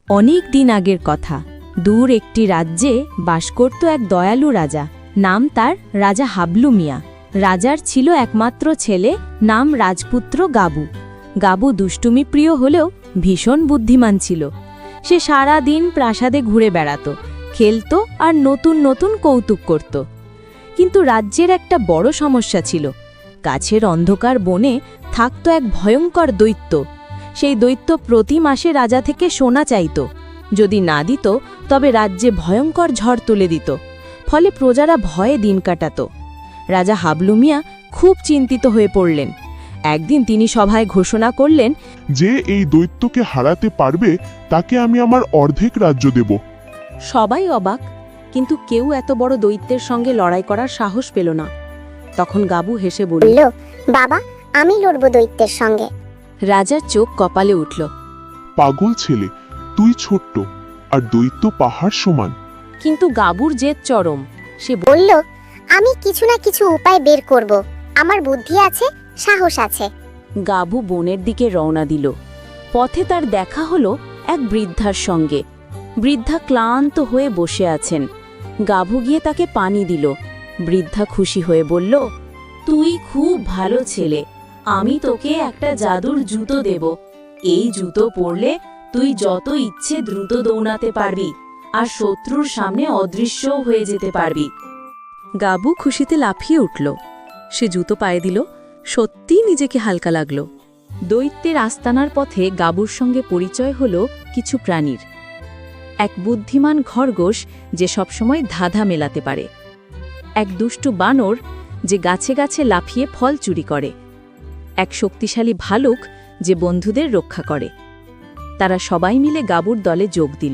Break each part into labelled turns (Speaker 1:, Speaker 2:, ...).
Speaker 1: অনেক দিন আগের কথা। দূর একটি রাজ্যে বাস করত এক দয়ালু রাজা। নাম তার রাজা হাবলু মিয়া। রাজার ছিল একমাত্র ছেলে, নাম রাজপুত্র গাবু। গাবু দুষ্টুমি প্রিয় হলেও ভীষণ বুদ্ধিমান ছিল। সে সারা দিন প্রাসাদে ঘুরে বেড়াত, খেলত আর নতুন নতুন কৌতুক করত। কিন্তু রাজ্যের একটা বড় সমস্যা ছিল। গাছের অন্ধকার বনে থাকত এক ভয়ঙ্কর দৈত্য। সেই দৈত্য প্রতি মাসে রাজা থেকে সোনা চাইত। যদি না দিত তবে রাজ্যে ভয়ঙ্কর ঝড় তুলে দিত। ফলে প্রজারা ভয়ে দিন কাটাত। রাজা হাবলু মিয়া খুব চিন্তিত হয়ে পড়লেন। একদিন তিনি সভায় ঘোষণা করলেন,
Speaker 2: যে এই দৈত্যকে হারাতে পারবে তাকে আমি আমার অর্ধেক রাজ্য দেব।
Speaker 1: সবাই অবাক, কিন্তু কেউ এত বড় দৈত্যের সঙ্গে লড়াই করার সাহস পেল না। তখন গাবু হেসে বলল,
Speaker 3: বাবা, আমি লড়ব দৈত্যের সঙ্গে।
Speaker 1: রাজার চোখ কপালে উঠল।
Speaker 2: পাগল ছেলে, তুই ছোট্ট আর দৈত্য পাহাড় সমান।
Speaker 1: কিন্তু গাবুর জেদ চরম। সে
Speaker 3: বলল, আমি কিছু না কিছু উপায় বের করব। আমার বুদ্ধি আছে, সাহস আছে।
Speaker 1: গাবু বনের দিকে রওনা দিল। পথে তার দেখা হলো এক বৃদ্ধার সঙ্গে। বৃদ্ধা ক্লান্ত হয়ে বসে আছেন। গাবু গিয়ে তাকে পানি দিল। বৃদ্ধা খুশি হয়ে বলল, তুই খুব ভালো ছেলে, আমি তোকে একটা জাদুর জুতো দেব। এই জুতো পরলে তুই যত ইচ্ছে দ্রুত দৌড়াতে পারবি আর শত্রুর সামনে অদৃশ্যও হয়ে যেতে পারবি। গাবু খুশিতে লাফিয়ে উঠল। সে জুতো পায়ে দিল। সত্যিই নিজেকে হালকা লাগল। দৈত্যের আস্তানার পথে গাবুর সঙ্গে পরিচয় হল কিছু প্রাণীর। এক বুদ্ধিমান খরগোশ যে সবসময় ধাঁধা মেলাতে পারে, এক দুষ্টু বানর যে গাছে গাছে লাফিয়ে ফল চুরি করে, এক শক্তিশালী ভালুক যে বন্ধুদের রক্ষা করে। তারা সবাই মিলে গাবুর দলে যোগ দিল।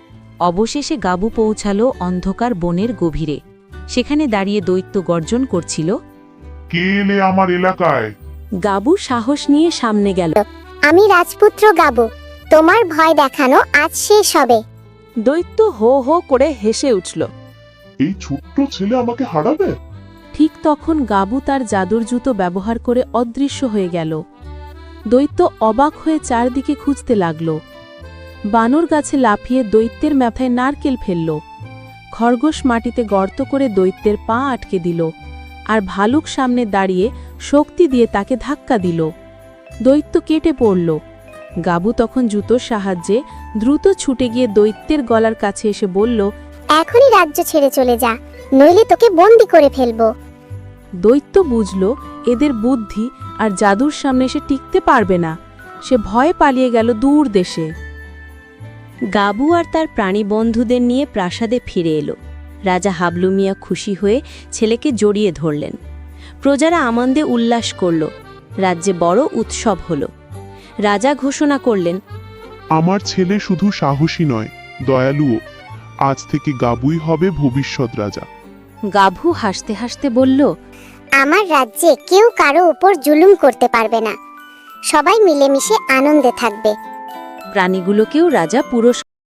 Speaker 1: অবশেষে গাবু পৌঁছালো অন্ধকার বনের গভীরে। সেখানে দাঁড়িয়ে দৈত্য গর্জন করছিল।
Speaker 2: কে এলে আমার এলাকায়?
Speaker 1: গাবু সাহস নিয়ে সামনে গেল।
Speaker 3: আমি রাজপুত্র গাবু, তোমার ভয় দেখানো আজ শেষ হবে।
Speaker 1: দৈত্য হো হো করে হেসে উঠল।
Speaker 2: এই ছোট্ট ছেলে আমাকে হারাবে?
Speaker 1: ঠিক তখন গাবু তার জাদুর জুতো ব্যবহার করে অদৃশ্য হয়ে গেল। দৈত্য অবাক হয়ে চারদিকে খুঁজতে লাগল। বানর গাছে লাফিয়ে দৈত্যের মাথায় নারকেল ফেলল। খরগোশ মাটিতে গর্ত করে দৈত্যের পা আটকে দিল, আর ভালুক সামনে দাঁড়িয়ে শক্তি দিয়ে তাকে ধাক্কা দিল। দৈত্য কেটে পড়ল। গাবু তখন জুতোর সাহায্যে দ্রুত ছুটে গিয়ে দৈত্যের গলার কাছে এসে বলল,
Speaker 3: এখনই রাজ্য ছেড়ে চলে যা, নইলে তোকে বন্দি করে ফেলবো।
Speaker 1: দৈত্য বুঝল এদের বুদ্ধি আর জাদুর সামনে সে টিকতে পারবে না। সে ভয়ে পালিয়ে গেল দূর দেশে। গাবু আর তার প্রাণী বন্ধুদের নিয়ে প্রাসাদে ফিরে এলো। রাজা হাবলু মিয়া খুশি হয়ে ছেলেকে জড়িয়ে ধরলেন। প্রজারা আনন্দে উল্লাস করল। রাজ্যে বড় উৎসব হল। রাজা ঘোষণা করলেন,
Speaker 2: আমার ছেলে শুধু সাহসী নয়, দয়ালুও। আজ থেকে গাবুই হবে ভবিষ্যৎ রাজা।
Speaker 1: গাভু হাসতে হাসতে বলল,
Speaker 3: আমার রাজ্যে কেউ কারো উপর জুলুম করতে পারবে না। সবাই মিলেমিশে আনন্দে থাকবে।
Speaker 1: প্রাণীগুলোকেও রাজা পুরস্কার